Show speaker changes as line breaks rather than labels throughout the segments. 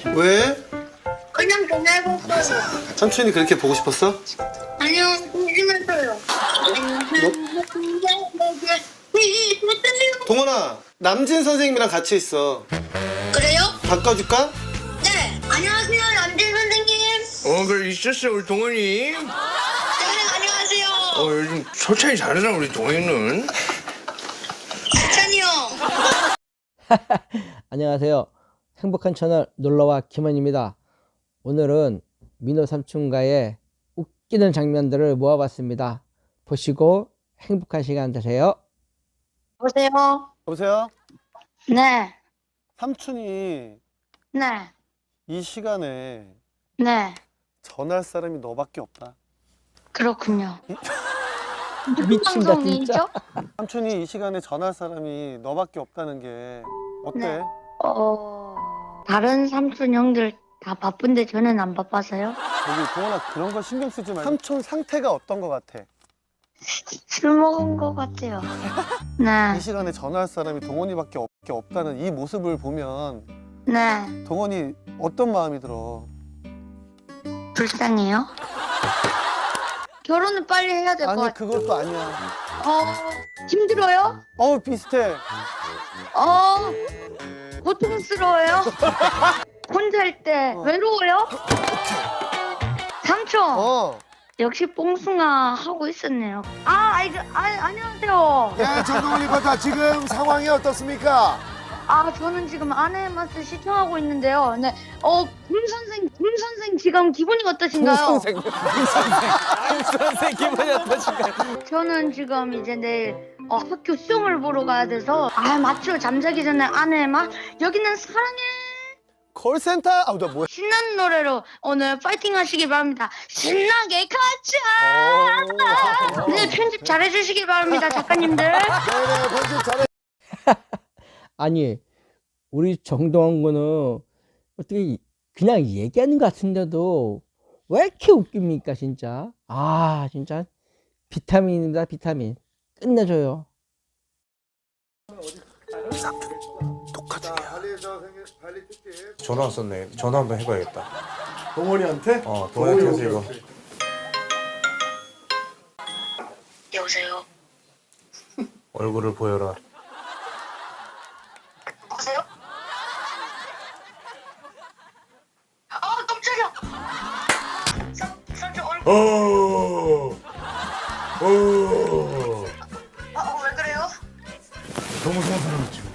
왜?
그냥 전화해봤어요.
삼촌이 그렇게 보고 싶었어?
아니요, 심심했어요.
동원아, 남진 선생님이랑 같이 있어.
그래요?
바꿔줄까?
네. 안녕하세요, 남진 선생님.
그래 있었어 우리 동원이.
네, 안녕하세요.
요즘 솔찬히 잘하나 우리 동원이는.
찬이 형.
안녕하세요. 행복한 채널 놀러와 김원입니다. 오늘은 민호 삼촌과의 웃기는 장면들을 모아봤습니다. 보시고 행복한 시간 되세요.
보세요.
여보세요?
네.
삼촌이
네.
이 시간에
네.
전화할 사람이 너밖에 없다.
그렇군요.
미친다 진짜.
방송이죠?
삼촌이 이 시간에 전화할 사람이 너밖에 없다는 게 어때?
네. 다른 삼촌 형들 다 바쁜데 저는 안 바빠서요?
저기 동원아, 그런 거 신경 쓰지 말고 삼촌 상태가 어떤 거 같아?
술 먹은 것 같아요. 네.
이 시간에 전화할 사람이 동원이밖에 없다는 이 모습을 보면
네.
동원이 어떤 마음이 들어?
불쌍해요? 결혼을 빨리 해야 될 것
아니,
같아요.
그것도 아니야.
힘들어요?
비슷해.
고통스러워요? 혼자 할 때 외로워요? 삼촌, 역시 뽕숭아 하고 있었네요. 안녕하세요.
네, 정동원 리포터 지금 상황이 어떻습니까?
저는 지금 아내의 맛을 시청하고 있는데요. 네, 군 선생 지금 기분이 어떠신가요?
선생 기분이 어떠신가요?
저는 지금 이제 내일 학교 시험을 보러 가야 돼서 맞죠. 잠자기 전에 아내의 맛. 여기는 사랑해.
콜센터? 나 뭐야?
신나는 노래로 오늘 파이팅 하시기 바랍니다. 신나게 가자. 네, 편집 잘 해주시기 바랍니다, 작가님들.
네네, 편집 잘해.
아니 우리 정동원 군은 어떻게 그냥 얘기하는 것 같은데도 왜 이렇게 웃깁니까 진짜. 진짜 비타민입니다. 비타민. 끝내줘요.
전화 왔었네. 전화 한번 해봐야겠다.
동원이한테?
동원이한테 해서 이거.
여보세요?
얼굴을 보여라.
여보세요? 깜짝이야. 삼촌 얼굴. 왜 그래요?
너무 좋은 사람이 지금.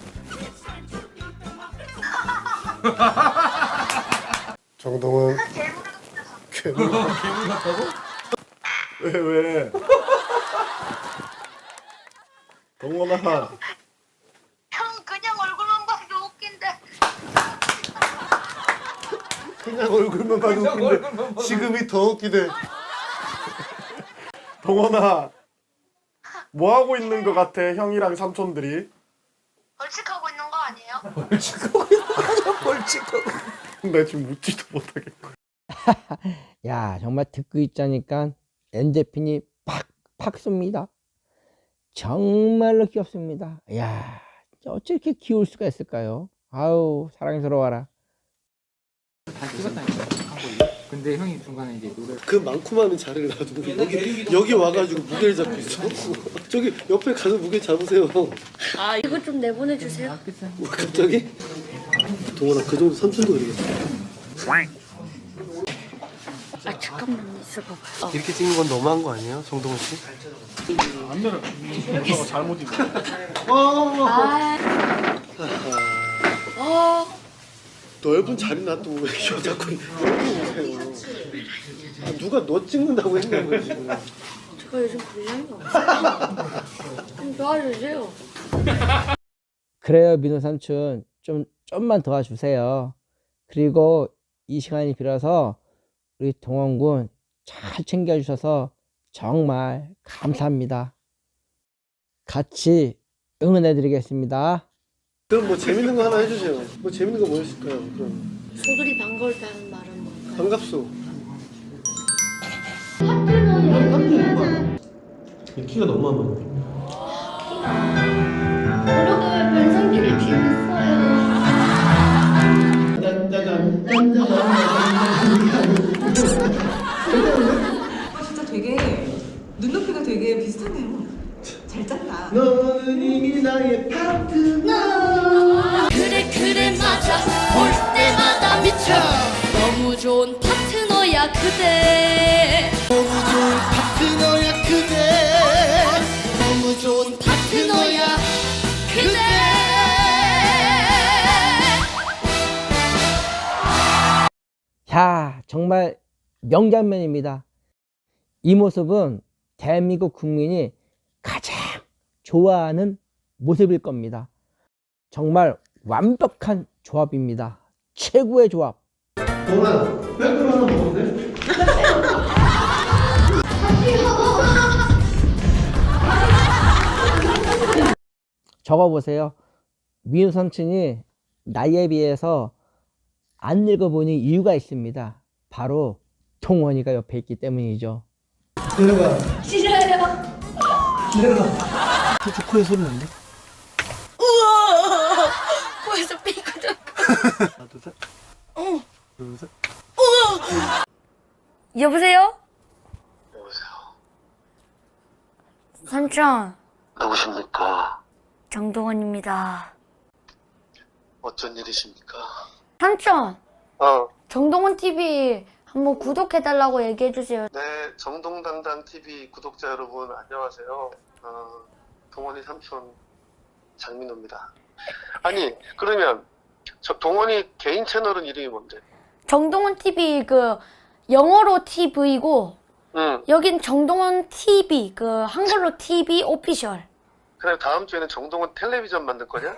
정동원. 괴물 같다고? 왜? 동원아.
형 그냥 얼굴만 봐도 웃긴데.
그냥 얼굴만 봐도 웃긴데 지금이 더 웃기대. 동원아. 뭐 하고 있는 것 같아, 형이랑 삼촌들이?
벌칙하고 있는 거 아니에요?
벌칙하고. 나 지금 웃지도 못하겠고.
야 정말 듣고 있자니까 엔제핀이 팍팍 쏩니다. 정말로 귀엽습니다. 야 어째 이렇게 귀여울 수가 있을까요? 아우 사랑스러워라.
다 찍었다니까. 근데 형이 중간에 이제 노래.
그 많고 많은 자리를 놔두고 여기 와가지고 무게를 잡고 있어. 저기 옆에 가서 무게 잡으세요.
이거 좀 내보내주세요.
뭐 갑자기? 동원아, 그 정도 삼촌도 그러겠다.
잠깐만 있어봐봐요.
이렇게 찍는 건 너무한 거 아니에요, 정동원 씨? 넓은 자리 놔두고 왜 자꾸 여기 오세요? 누가 너 찍는다고 했냐고요 지금.
제가 요즘 불량이 없어요. 좀 도와주세요.
그래요 민호 삼촌 좀만 도와주세요. 그리고 이 시간이 빌어서 우리 동원군 잘 챙겨주셔서 정말 감사합니다. 같이 응원해드리겠습니다.
그럼 뭐 재밌는 거 하나 해주세요. 뭐 재밌는 거 뭐였을까요? 그럼
소들이 반가울 때 하는 말은 뭘까요?
반갑소. 키가 너무 안
오빠가 왜 변성기를 지냈어요?
맞아. 짠짠짠. 나의 파트너.
그래 그래 맞아 볼 때마다 미쳐 너무 좋은 파트너야 그대
너무 좋은 파트너야 그대.
너무 좋은 파트너야 그대
야, 정말 명장면입니다. 이 모습은 대한민국 국민이 가장 좋아하는 모습일 겁니다. 정말 완벽한 조합입니다. 최고의 조합.
동아, 백으로 하나 먹는데?
적어보세요. 민우 삼촌이 나이에 비해서 안 늙어보니 이유가 있습니다. 바로 동원이가 옆에 있기 때문이죠.
내려가.
싫어요
내려가. 저 코에 소리 난데?
우와 코에서 삐거든
하나, 둘, 셋. 둘, 셋.
여보세요?
여보세요.
삼촌,
누구십니까?
정동원입니다.
어쩐 일이십니까?
삼촌,
어,
정동원 TV 한번 구독해달라고 얘기해주세요.
네, 정동당당 TV 구독자 여러분 안녕하세요. 동원이 삼촌 장민호입니다. 아니, 그러면 저 동원이 개인 채널은 이름이 뭔데?
정동원 TV 그 영어로 TV고
응.
여긴 정동원 TV 그 한글로 TV 오피셜.
그래 다음 주에는 정동원 텔레비전 만들 거냐?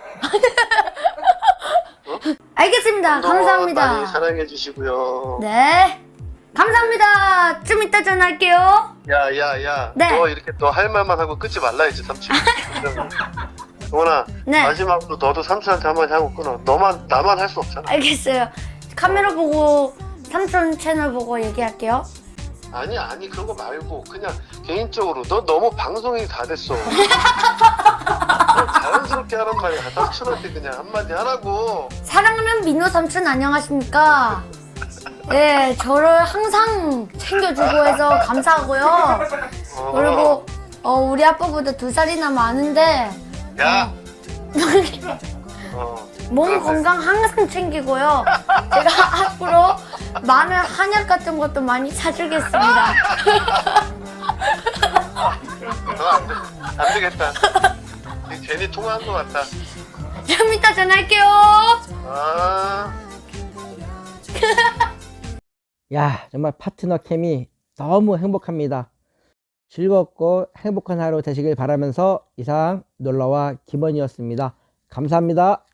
알겠습니다.
정동원
감사합니다.
많이 사랑해 주시고요.
네. 감사합니다. 좀 이따 전화할게요.
야,
네.
너 이렇게 너 할 말만 하고 끊지 말라 했지 삼촌. 동원아,
네.
마지막으로 너도 삼촌한테 한마디 하고 끊어. 나만 할 수 없잖아.
알겠어요. 카메라 보고 삼촌 채널 보고 얘기할게요.
아니 그런 거 말고 그냥 개인적으로 너 너무 방송이 다 됐어. 자연스럽게 하란 말이야. 삼촌한테 그냥 한마디 하라고.
사랑하는 민호 삼촌 안녕하십니까? 예, 저를 항상 챙겨주고 해서 감사하고요. 그리고 우리 아빠보다 2살이나 많은데
야.
몸
그러네.
건강 항상 챙기고요. 제가 앞으로 마늘 한약 같은 것도 많이 사주겠습니다.
안 되겠다. 괜히 통화한 것 같다.
좀 이따 전화할게요.
아.
야, 정말 파트너 캠이 너무 행복합니다. 즐겁고 행복한 하루 되시길 바라면서 이상 놀러와 김원이었습니다. 감사합니다.